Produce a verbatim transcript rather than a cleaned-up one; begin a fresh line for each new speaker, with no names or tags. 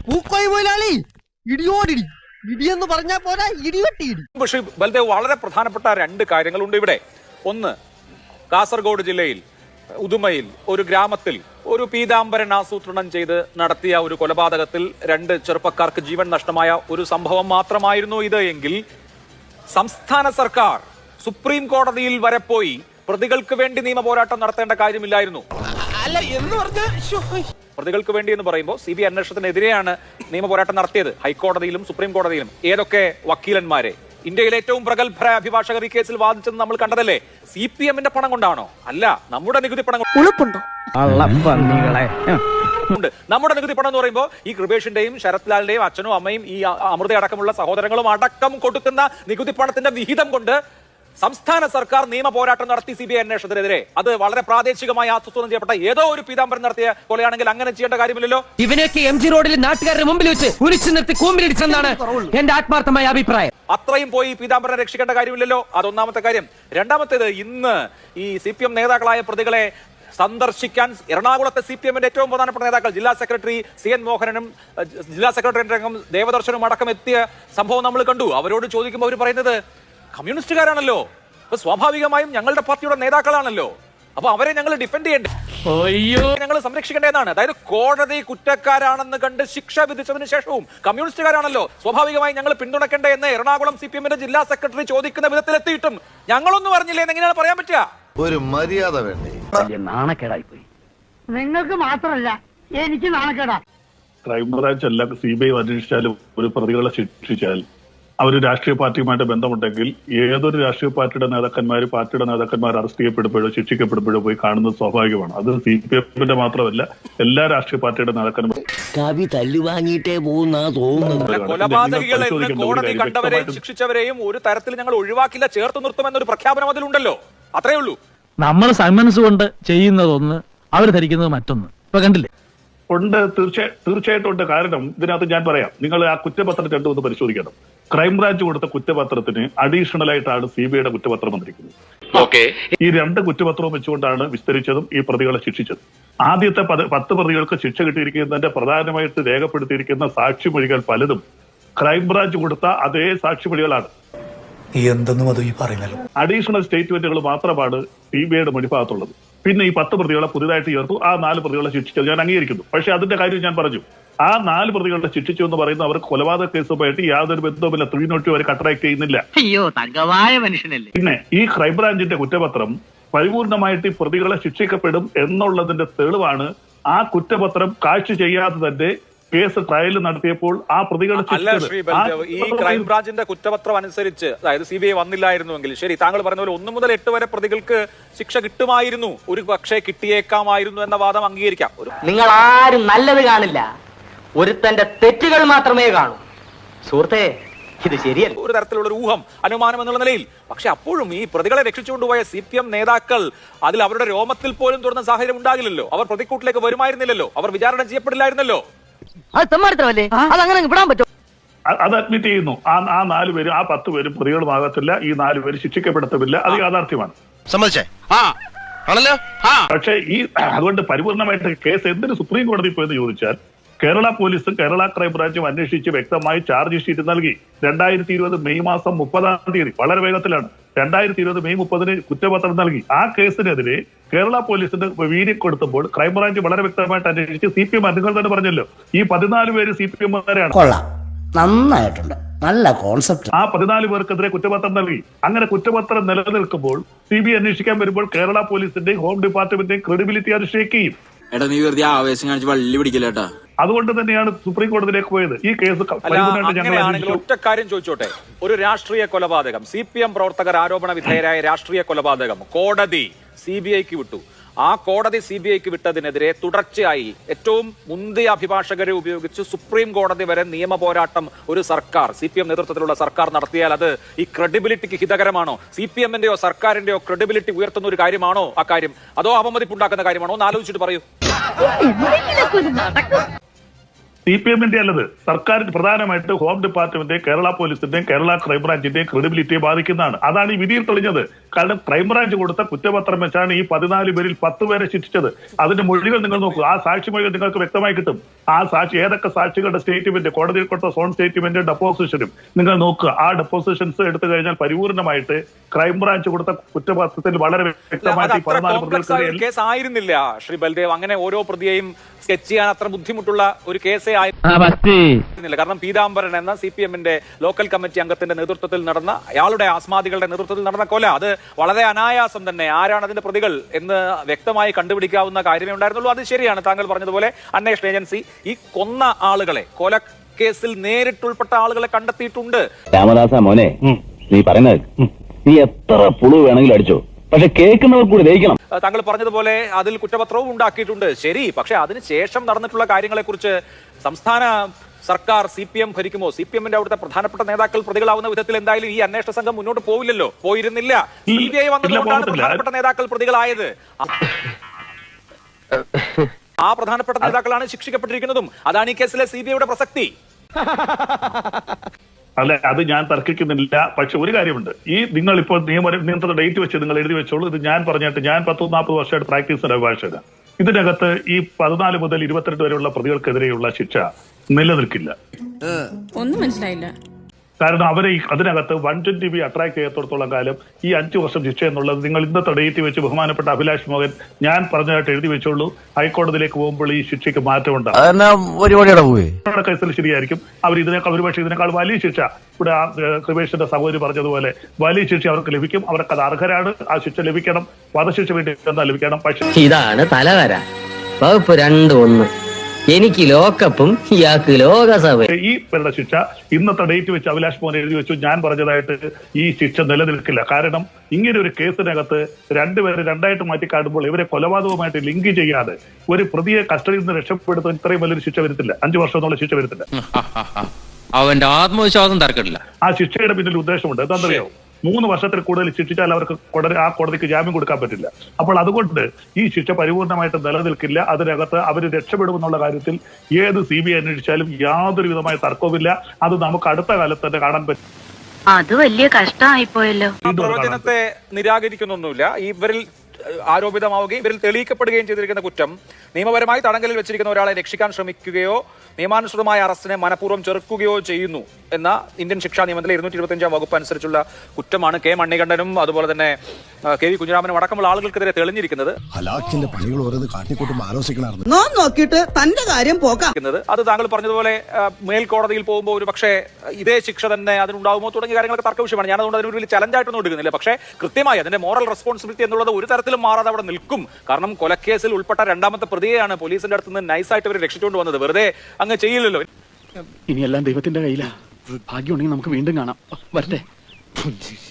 പൂക്കോയി മുതലാളി ഇടിയോടിടി ഇടിയെന്ന് പറഞ്ഞാൽ പോരാ ഇടിവെട്ടി ഇടി.
പക്ഷേ ബൽദേവ്, വളരെ പ്രധാനപ്പെട്ട രണ്ട് കാര്യങ്ങളുണ്ട് ഇവിടെ. ഒന്ന്, കാസർഗോഡ് ജില്ലയിൽ ഉദുമയിൽ ഒരു ഗ്രാമത്തിൽ ഒരു പീതാംബരൻ ആസൂത്രണം ചെയ്ത് നടത്തിയ ഒരു കൊലപാതകത്തിൽ രണ്ട് ചെറുപ്പക്കാർക്ക് ജീവൻ നഷ്ടമായ ഒരു സംഭവം മാത്രമായിരുന്നു ഇത് എങ്കിൽ സംസ്ഥാന സർക്കാർ സുപ്രീം കോടതിയിൽ വരെ പോയി പ്രതികൾക്ക് വേണ്ടി നിയമ പോരാട്ടം നടത്തേണ്ട കാര്യമില്ലായിരുന്നു. പ്രതികൾക്ക് വേണ്ടി എന്ന് പറയുമ്പോൾ സി ബി ഐ അന്വേഷണത്തിനെതിരെയാണ് നിയമ പോരാട്ടം നടത്തിയത് ഹൈക്കോടതിയിലും സുപ്രീം കോടതിയിലും. ഏതൊക്കെ വക്കീലന്മാരെ, ഇന്ത്യയിലെ ഏറ്റവും പ്രഗത്ഭരായ അഭിഭാഷകർ ഈ കേസിൽ വാദിച്ചത് നമ്മൾ കണ്ടതല്ലേ? സി പി എമ്മിന്റെ പണം കൊണ്ടാണോ? അല്ല, നമ്മുടെ നികുതി പണം
ഉളുപ്പുണ്ടോ?
നമ്മുടെ നികുതി പണം എന്ന് പറയുമ്പോൾ ഈ കൃപേഷിന്റെയും ശരത് ലാലിന്റെയും അച്ഛനും അമ്മയും ഈ അമൃത അടക്കമുള്ള സഹോദരങ്ങളും അടക്കം കൊടുക്കുന്ന നികുതി പണത്തിന്റെ വിഹിതം കൊണ്ട് സംസ്ഥാന സർക്കാർ നിയമ പോരാട്ടം നടത്തി സി ബി ഐ അന്വേഷണത്തിനെതിരെ. അത് വളരെ പ്രാദേശികമായി ആസൂത്രണം ചെയ്യപ്പെട്ട ഏതോ ഒരു പീതാംബരൻ നടത്തിയ കൊലയാണെങ്കിൽ അങ്ങനെ ചെയ്യേണ്ട കാര്യമില്ലല്ലോ.
ഇവനൊക്കെ എം ജി റോഡിൽ നാട്ടുകാരുടെ മുമ്പിൽ വെച്ച് കുരിച്ചു നിർത്തി കൂമ്പിലിടിച്ചെന്നാണ് എന്റെ ആത്മാർത്ഥമായ അഭിപ്രായം.
അത്രയും പോയി പീതാംബരനെ രക്ഷിക്കേണ്ട കാര്യമില്ലല്ലോ. അതൊന്നാമത്തെ കാര്യം. രണ്ടാമത്തേത്, ഇന്ന് ഈ സി പി എം നേതാക്കളായ പ്രതികളെ സന്ദർശിക്കാൻ എറണാകുളത്തെ സി പി എമ്മിന്റെ ഏറ്റവും പ്രധാനപ്പെട്ട നേതാക്കൾ ജില്ലാ സെക്രട്ടറി സി എൻ മോഹനനും ജില്ലാ സെക്രട്ടറി അംഗം ദേവദർശനും അടക്കം എത്തിയ സംഭവം നമ്മൾ കണ്ടു. അവരോട് ചോദിക്കുമ്പോൾ അവർ പറയുന്നത് കമ്മ്യൂണിസ്റ്റുകാരാണല്ലോ, അപ്പൊ സ്വാഭാവികമായും ഞങ്ങളുടെ പാർട്ടിയുടെ നേതാക്കളാണല്ലോ, അപ്പൊ അവരെ ഞങ്ങൾ ഡിഫെൻഡ് ചെയ്യണ്ടേ, ഞങ്ങൾ സംരക്ഷിക്കേണ്ടതാണ്. അതായത് കോടതി കുറ്റക്കാരാണെന്ന് കണ്ട് ശിക്ഷ വിധിച്ചതിന് ശേഷവും കമ്മ്യൂണിസ്റ്റുകാരാണല്ലോ, സ്വാഭാവികമായും ഞങ്ങൾ പിന്തുണക്കേണ്ടേ എന്ന് എറണാകുളം സി പി എമ്മിന്റെ ജില്ലാ സെക്രട്ടറി ചോദിക്കുന്ന വിധത്തിലെത്തിയിട്ടും ഞങ്ങളൊന്നും പറഞ്ഞില്ലേ എന്ന് എങ്ങനെയാണ് പറയാൻ പറ്റുക?
ഒരു മര്യാദ വേണ്ടേ?
നാണക്കേടായി പോയി.
നിങ്ങൾക്ക് മാത്രമല്ല എനിക്ക് നാണക്കേടാ.
ക്രൈംബ്രാഞ്ച് അല്ല സി ബി ഐ അന്വേഷിച്ചാലും ഒരു പ്രതികളെ ശിക്ഷിച്ചാൽ അവർ രാഷ്ട്രീയ പാർട്ടിയുമായിട്ട് ബന്ധമുണ്ടെങ്കിൽ ഏതൊരു രാഷ്ട്രീയ പാർട്ടിയുടെ നേതാക്കന്മാർ പാർട്ടിയുടെ നേതാക്കന്മാർ അറസ്റ്റ് ചെയ്യപ്പെടുമ്പോഴോ ശിക്ഷിക്കപ്പെടുമ്പോഴോ പോയി കാണുന്നത് സ്വാഭാവികമാണ്. അത് സി പി എമ്മിന്റെ മാത്രമല്ല, എല്ലാ രാഷ്ട്രീയ പാർട്ടിയുടെ നേതാക്കന്മാരും
കവി തല്ലുവാങ്ങിയിട്ടേ പോകുന്ന തോന്നുന്നത്.
കൊലപാതകികളെ കോടതി കണ്ടവരെയും ശിക്ഷിച്ചവരെയും ഒരു തരത്തിൽ ഞങ്ങൾ ഒഴിവാക്കില്ല, ചേർത്ത് നിർത്തുമെന്നൊരു പ്രഖ്യാപനം അതിലുണ്ടല്ലോ. അത്രേ ഉള്ളൂ.
നമ്മൾ സന്മനസ് കൊണ്ട് ചെയ്യുന്നതൊന്ന്, അവർ ധരിക്കുന്നത് മറ്റൊന്ന്. ഇപ്പൊ കണ്ടില്ലേ?
ഉണ്ട്, തീർച്ചയായും തീർച്ചയായിട്ടും ഉണ്ട്. കാരണം ഇതിനകത്ത് ഞാൻ പറയാം, നിങ്ങൾ ആ കുറ്റപത്രം രണ്ടും ഒന്ന് പരിശോധിക്കണം. ക്രൈംബ്രാഞ്ച് കൊടുത്ത കുറ്റപത്രത്തിന് അഡീഷണൽ ആയിട്ടാണ് സി ബി ഐയുടെ കുറ്റപത്രം വന്നിരിക്കുന്നത്. ഈ രണ്ട് കുറ്റപത്രവും വെച്ചുകൊണ്ടാണ് വിസ്തരിച്ചതും ഈ പ്രതികളെ ശിക്ഷിച്ചത്. ആദ്യത്തെ പത്ത് പ്രതികൾക്ക് ശിക്ഷ കിട്ടിയിരിക്കുന്നതിന്റെ പ്രധാനമായിട്ട് രേഖപ്പെടുത്തിയിരിക്കുന്ന സാക്ഷിമൊഴികൾ പലതും ക്രൈംബ്രാഞ്ച് കൊടുത്ത അതേ സാക്ഷിമൊഴികളാണ്.
എന്തെന്നും അത് ഈ പറയുന്നല്ലോ.
അഡീഷണൽ സ്റ്റേറ്റ്മെന്റുകൾ മാത്രമാണ് സി ബി ഐയുടെ മൊഴിഭാഗത്തുള്ളത്. പിന്നെ ഈ പത്ത് പ്രതികളെ പുതിയതായിട്ട് ചേർത്തു. ആ നാല് പ്രതികളെ ശിക്ഷിച്ചത് ഞാൻ അംഗീകരിക്കുന്നു. പക്ഷെ അതിന്റെ കാര്യം ഞാൻ പറഞ്ഞു, ആ നാല് പ്രതികളെ ശിക്ഷിച്ചു എന്ന് പറയുന്നത് അവർക്ക് കൊലപാതക കേസുമായിട്ട് യാതൊരു ബന്ധവുമില്ല. ത്രീ നോട്ട് അവർ കട്ടറാക്ട് ചെയ്യുന്നില്ല.
അയ്യോ, തങ്കമായ മനുഷ്യനല്ലേ.
പിന്നെ ഈ ക്രൈംബ്രാഞ്ചിന്റെ കുറ്റപത്രം പരിപൂർണമായിട്ട് ഈ പ്രതികളെ ശിക്ഷിക്കപ്പെടും എന്നുള്ളതിന്റെ തെളിവാണ് ആ കുറ്റപത്രം കാഴ്ച ചെയ്യാതെ തന്നെ കേസ് ട്രയൽ നടത്തിയപ്പോൾ ആ പ്രതികളെ.
അല്ല ശ്രീ ബൽദേവ്, ഈ ക്രൈംബ്രാഞ്ചിന്റെ കുറ്റപത്രം അനുസരിച്ച്, അതായത് സി ബി ഐ വന്നില്ലായിരുന്നുവെങ്കിൽ ശരി, താങ്കൾ പറഞ്ഞ പോലെ ഒന്ന് മുതൽ എട്ട് വരെ പ്രതികൾക്ക് ശിക്ഷ കിട്ടുമായിരുന്നു, ഒരു പക്ഷേ കിട്ടിയേക്കാമായിരുന്നു എന്ന വാദം അംഗീകരിക്കാം.
നിങ്ങൾ ആരും നല്ലത് കാണില്ല, ഒരുത്തന്റെ തെറ്റുകൾ മാത്രമേ കാണൂ. സുഹൃത്തെ, ഇത് ശരിയല്ല.
ഒരു തരത്തിലുള്ള ഒരു ഊഹം, അനുമാനം എന്നുള്ള നിലയിൽ. പക്ഷെ അപ്പോഴും ഈ പ്രതികളെ രക്ഷിച്ചുകൊണ്ടുപോയ സി പി എം നേതാക്കൾ അതിൽ അവരുടെ രോമത്തിൽ പോലും തുറന്ന സാഹചര്യം ഉണ്ടാകില്ലല്ലോ. അവർ പ്രതിക്കൂട്ടിലേക്ക് വരുമായിരുന്നില്ലല്ലോ, അവർ വിചാരണ ചെയ്യപ്പെടില്ലായിരുന്നല്ലോ.
അത് തെമ്മാടിത്തരമല്ലേ? അതങ്ങനെ വിടാൻ പറ്റും.
അത് അഡ്മിറ്റ് ചെയ്യുന്നു. ആ ആ നാല് പേര്, ആ പത്ത് പേരും പ്രതികളുമാകത്തില്ല. ഈ നാല് പേര് ശിക്ഷിക്കപ്പെടുത്തമില്ല. അത് യാഥാർത്ഥ്യമാണ്. പക്ഷേ ഈ അതുകൊണ്ട് പരിപൂർണമായിട്ട് കേസ് എന്തിന് സുപ്രീം കോടതി പോയെന്ന് ചോദിച്ചാൽ, കേരള പോലീസും കേരള ക്രൈംബ്രാഞ്ചും അന്വേഷിച്ച് വ്യക്തമായി ചാർജ് ഷീറ്റ് നൽകി. രണ്ടായിരത്തി ഇരുപത് മെയ് മാസം മുപ്പതാം തീയതി, വളരെ വേഗത്തിലാണ്, രണ്ടായിരത്തി ഇരുപത് മെയ് മുപ്പതിന് കുറ്റപത്രം നൽകി. ആ കേസിനെതിരെ കേരള പോലീസിന്റെ വീര്യം കൊടുത്തപ്പോൾ ക്രൈംബ്രാഞ്ച് വളരെ വ്യക്തമായിട്ട് അന്വേഷിച്ച് സി പി എം നിങ്ങൾ തന്നെ പറഞ്ഞല്ലോ, ഈ പതിനാല് പേര് സി പി എമ്മുകാരാണ്.
നന്നായിട്ടുണ്ട്, നല്ല കോൺസെപ്റ്റ്.
ആ പതിനാല് പേർക്കെതിരെ കുറ്റപത്രം നൽകി. അങ്ങനെ കുറ്റപത്രം നിലനിൽക്കുമ്പോൾ സി ബി ഐ അന്വേഷിക്കാൻ വരുമ്പോൾ കേരള പോലീസിന്റെയും ഹോം ഡിപ്പാർട്ട്മെന്റിന്റെയും ക്രെഡിബിലിറ്റി അത് ഷേക്ക് ചെയ്യും.
എടാ, നീ വെറുതെ ആവേശം കാണിച്ച് വള്ളി പിടിക്കില്ലേട്ടാ.
അതുകൊണ്ട് തന്നെയാണ് സുപ്രീം കോടതിയിലേക്ക് പോയത്. ഈ കേസ്
ഒറ്റ കാര്യം ചോദിച്ചോട്ടെ, ഒരു രാഷ്ട്രീയ കൊലപാതകം, സി പി എം പ്രവർത്തകർ ആരോപണ വിധേയരായ രാഷ്ട്രീയ കൊലപാതകം കോടതി സി ബി ഐക്ക് വിട്ടു. ആ കോടതി സി ബി ഐക്ക് വിട്ടതിനെതിരെ തുടർച്ചയായി ഏറ്റവും മുന്തിയ അഭിഭാഷകരെ ഉപയോഗിച്ച് സുപ്രീം കോടതി വരെ നിയമ പോരാട്ടം ഒരു സർക്കാർ, സി പി എം നേതൃത്വത്തിലുള്ള സർക്കാർ നടത്തിയാൽ അത് ഈ ക്രെഡിബിലിറ്റിക്ക് ഹിതകരമാണോ? സി പി എമ്മിന്റെയോ സർക്കാരിന്റെയോ ക്രെഡിബിലിറ്റി ഉയർത്തുന്ന ഒരു കാര്യമാണോ ആ കാര്യം? അതോ അപമതിപ്പുണ്ടാക്കുന്ന കാര്യമാണോ എന്ന് ആലോചിച്ചിട്ട് പറയൂ.
സി പി എമ്മിന്റെ അല്ലത്, സർക്കാർ പ്രധാനമായിട്ട് ഹോം ഡിപ്പാർട്ട്മെന്റ്, കേരള പോലീസിന്റെയും കേരള ക്രൈംബ്രാഞ്ചിന്റെയും ക്രെഡിബിലിറ്റിയെ ബാധിക്കുന്നതാണ്. അതാണ് ഈ വിധിയിൽ തെളിഞ്ഞത്. കാരണം ക്രൈംബ്രാഞ്ച് കൊടുത്ത കുറ്റപത്രം വെച്ചാണ് ഈ പതിനാല് പേരിൽ പത്ത് പേരെ ശിക്ഷിച്ചത്. അതിന്റെ മൊഴികൾ നിങ്ങൾ നോക്കൂ, ആ സാക്ഷി മൊഴികൾ നിങ്ങൾക്ക് വ്യക്തമായി കിട്ടും. ആ സാക്ഷി ഏതൊക്കെ സാക്ഷികളുടെ സ്റ്റേറ്റ്മെന്റ്, കോടതിയിൽ കൊടുത്ത സോൺ സ്റ്റേറ്റ്മെന്റ്, ഡെപ്പോസിഷനും നിങ്ങൾ നോക്കുക. ആ ഡെപ്പോസിഷൻസ് എടുത്തു കഴിഞ്ഞാൽ പരിപൂർണമായിട്ട് ക്രൈംബ്രാഞ്ച് കൊടുത്ത കുറ്റപത്രത്തിൽ വളരെ വ്യക്തമായിട്ട് ഈ പതിനാല് പ്രതികൾക്കെതിരെ
കേസ് ആയിരുന്നില്ല ശ്രീ ബൽദേവ്. അങ്ങനെ ഓരോ പ്രതിയെയും സ്കെച്ച് ചെയ്യാൻ അത്ര ബുദ്ധിമുട്ടുള്ള ഒരു കേസേ ആയിരുന്നില്ല. കാരണം പീതാംബരൻ എന്ന സി പി എമ്മിന്റെ ലോക്കൽ കമ്മിറ്റി അംഗത്തിന്റെ നേതൃത്വത്തിൽ നടന്ന, അയാളുടെ ആസ്മാദികളുടെ നേതൃത്വത്തിൽ നടന്ന കൊല, അത് വളരെ അനായാസം തന്നെ ആരാണ് അതിന്റെ പ്രതികൾ എന്ന് വ്യക്തമായി കണ്ടുപിടിക്കാവുന്ന കാര്യമേ ഉണ്ടായിരുന്നുള്ളൂ. അത് ശരിയാണ്, താങ്കൾ പറഞ്ഞതുപോലെ അന്വേഷണ ഏജൻസി ഈ കൊന്ന ആളുകളെ, കൊല കേസിൽ നേരിട്ടുൾപ്പെട്ട ആളുകളെ കണ്ടെത്തിയിട്ടുണ്ട്.
രാമദാസ മോനെ, നീ പറയുന്നത് നീ എത്ര പുളു വേണമെങ്കിലും അടിച്ചോ, പക്ഷെ കേൾക്കുന്നവർ കൂടി ദഹിക്കണം.
താങ്കൾ പറഞ്ഞതുപോലെ അതിൽ കുറ്റപത്രവും ഉണ്ടാക്കിയിട്ടുണ്ട്, ശരി. പക്ഷെ അതിനുശേഷം നടന്നിട്ടുള്ള കാര്യങ്ങളെ കുറിച്ച് സംസ്ഥാന സർക്കാർ, സി പി എം ഭരിക്കുമോ, സി പി എമ്മിന്റെ അവിടുത്തെ പ്രധാനപ്പെട്ട നേതാക്കൾ പ്രതികളാവുന്ന വിധത്തിൽ എന്തായാലും ഈ അന്വേഷണ സംഘം മുന്നോട്ട് പോവില്ലല്ലോ, പോയിരുന്നില്ല. സി ബി ഐ വന്നതുകൊണ്ടാണ് പ്രധാനപ്പെട്ട നേതാക്കൾ പ്രതികളായത്. ആ പ്രധാനപ്പെട്ട നേതാക്കളാണ് ശിക്ഷിക്കപ്പെട്ടിരിക്കുന്നതും. അതാണ് ഈ കേസിലെ സി ബി ഐയുടെ പ്രസക്തി.
അല്ല, അത് ഞാൻ തർക്കിക്കുന്നില്ല. പക്ഷെ ഒരു കാര്യമുണ്ട്, ഈ നിങ്ങൾ ഇപ്പോൾ നിയമ നിയന്ത്രണ ഡേറ്റ് വെച്ച് നിങ്ങൾ എഴുതി വെച്ചോളൂ. ഇത് ഞാൻ പറഞ്ഞിട്ട് ഞാൻ പത്ത് നാൽപ്പത് വർഷമായിട്ട് പ്രാക്ടീസ് അഭിഭാഷകനാണ്. ഇതിനകത്ത് ഈ പതിനാല് മുതൽ ഇരുപത്തിരണ്ട് വരെയുള്ള പ്രതികൾക്കെതിരെയുള്ള ശിക്ഷ നിലനിൽക്കില്ല.
ഒന്നും മനസ്സിലായില്ല.
കാരണം അവരെ അതിനകത്ത് വൺ ട്വന്റി ബി അട്രാക്ട് ചെയ്യത്തോടത്തോളം കാലം ഈ അഞ്ചു വർഷം ശിക്ഷ എന്നുള്ളത് നിങ്ങൾ ഇന്നത്തെ ഡേറ്റ് വെച്ച് ബഹുമാനപ്പെട്ട അഭിലാഷ് മോഹൻ ഞാൻ പറഞ്ഞതായിട്ട് എഴുതി വെച്ചോളൂ. ഹൈക്കോടതിയിലേക്ക് പോകുമ്പോൾ ഈ ശിക്ഷയ്ക്ക് മാറ്റമുണ്ടാകും. കേസിൽ ശരിയായിരിക്കും. അവർ ഇതിനേക്കാൾ ഒരുപക്ഷെ ഇതിനേക്കാൾ വലിയ ശിക്ഷ, ഇവിടെ കൃപേഷിന്റെ സഹോദരി പറഞ്ഞതുപോലെ വലിയ ശിക്ഷ അവർക്ക് ലഭിക്കും. അവർക്ക് അത് അർഹരാണ്. ആ ശിക്ഷ ലഭിക്കണം. വധശിക്ഷ വേണ്ടി എന്താ ലഭിക്കണം. പക്ഷേ ഇതാണ് തലവര. വകുപ്പ് രണ്ട് ഒന്ന്, എനിക്ക് ലോക്കപ്പും ഇയാൾക്ക് ലോകസഭ. ഈ പേരുടെ ശിക്ഷ ഇന്നത്തെ ഡേറ്റ് വെച്ച് അഭിലാഷ് മോഹൻ എഴുതി വെച്ചു. ഞാൻ പറഞ്ഞതായിട്ട് ഈ ശിക്ഷ നിലനിൽക്കില്ല. കാരണം ഇങ്ങനെ ഒരു കേസിനകത്ത് രണ്ടുപേരെ രണ്ടായിട്ട് മാറ്റി കാണുമ്പോൾ ഇവരെ കൊലപാതകവുമായിട്ട് ലിങ്ക് ചെയ്യാതെ ഒരു പ്രതിയെ കസ്റ്റഡിയിൽ നിന്ന് രക്ഷപ്പെടുത്താൻ ഇത്രയും വലിയൊരു ശിക്ഷ വരത്തില്ല. അഞ്ചു വർഷം എന്നുള്ള ശിക്ഷ വരത്തില്ല.
അവന്റെ ആത്മവിശ്വാസം തർക്കമില്ല.
ആ ശിക്ഷയുടെ പിന്നിൽ ഉദ്ദേശമുണ്ട്. എന്താണെന്നറിയോ? മൂന്ന് വർഷത്തിൽ കൂടുതൽ ശിക്ഷിച്ചാൽ അവർക്ക് ആ കോടതിക്ക് ജാമ്യം കൊടുക്കാൻ പറ്റില്ല. അപ്പോൾ അതുകൊണ്ട് ഈ ശിക്ഷ പരിപൂർണമായിട്ട് നിലനിൽക്കില്ല. അതിനകത്ത് അവർ രക്ഷപ്പെടുമെന്നുള്ള കാര്യത്തിൽ ഏത് സി ബി ഐ അന്വേഷിച്ചാലും യാതൊരു വിധമായ തർക്കവുമില്ല. അത് നമുക്ക് അടുത്ത കാലത്ത് തന്നെ കാണാൻ പറ്റും.
അത് വലിയ കഷ്ടമായിപ്പോയല്ലോ.
പ്രവചനത്തെ നിരാകരിക്കുന്നൊന്നുമില്ല. ഇവരിൽ ആരോപിതമാവുകയും ഇവരിൽ തെളിയിക്കപ്പെടുകയും ചെയ്തിരിക്കുന്ന കുറ്റം നിയമപരമായി തടങ്കലിൽ വെച്ചിരിക്കുന്ന ഒരാളെ രക്ഷിക്കാൻ ശ്രമിക്കുകയോ നിയമാനുസൃതമായ അറസ്റ്റിനെ മനഃപൂർവ്വം ചെറുക്കുകയോ ചെയ്യുന്നു എന്ന ഇന്ത്യൻ ശിക്ഷാ നിയമത്തിലെ ഇരുന്നൂറ്റി ഇരുപത്തി അഞ്ചാം വകുപ്പ് അനുസരിച്ചുള്ള കുറ്റമാണ് കെ മണികണ്ഠനും അതുപോലെ തന്നെ കെ വി കുഞ്ഞിരാമനും അടക്കമുള്ള ആളുകൾക്കെതിരെ തെളിഞ്ഞിരിക്കുന്നത്.
നോക്കിയിട്ട് തന്റെ കാര്യം പോക്കാം.
അത് താങ്കൾ പറഞ്ഞതുപോലെ മേൽക്കോടതിയിൽ പോകുമ്പോൾ ഒരു പക്ഷേ ഇതേ ശിക്ഷ തന്നെ അതിനുണ്ടാവുമോ തുടങ്ങിയ കാര്യങ്ങളൊക്കെ തർക്ക വിഷയമാണ്. ഞാൻ അതുകൊണ്ട് അതിനൊരു വലിയ ചലഞ്ചായിട്ടൊന്നും എടുക്കുന്നില്ല. പക്ഷേ കൃത്യമായി അതിന്റെ മോറൽ റെസ്പോൺസിബിലിറ്റി എന്നുള്ളത് ഒരു തരത്തിലും മാറാതെ അവിടെ നിൽക്കും. കാരണം കൊലക്കേസിൽ ഉൾപ്പെട്ട രണ്ടാമത്തെ പ്രതിയെയാണ് പോലീസിന്റെ അടുത്ത് നിന്ന് നൈസായിട്ട് ഇവർ രക്ഷിച്ചുകൊണ്ട് വന്നത്. വെറുതെ അങ്ങ് ചെയ്യില്ലല്ലോ.
ഇനിയെല്ലാം ദൈവത്തിന്റെ കയ്യിലാ. ഭാഗ്യമുണ്ടെങ്കിൽ നമുക്ക് വീണ്ടും കാണാം. വരട്ടെ.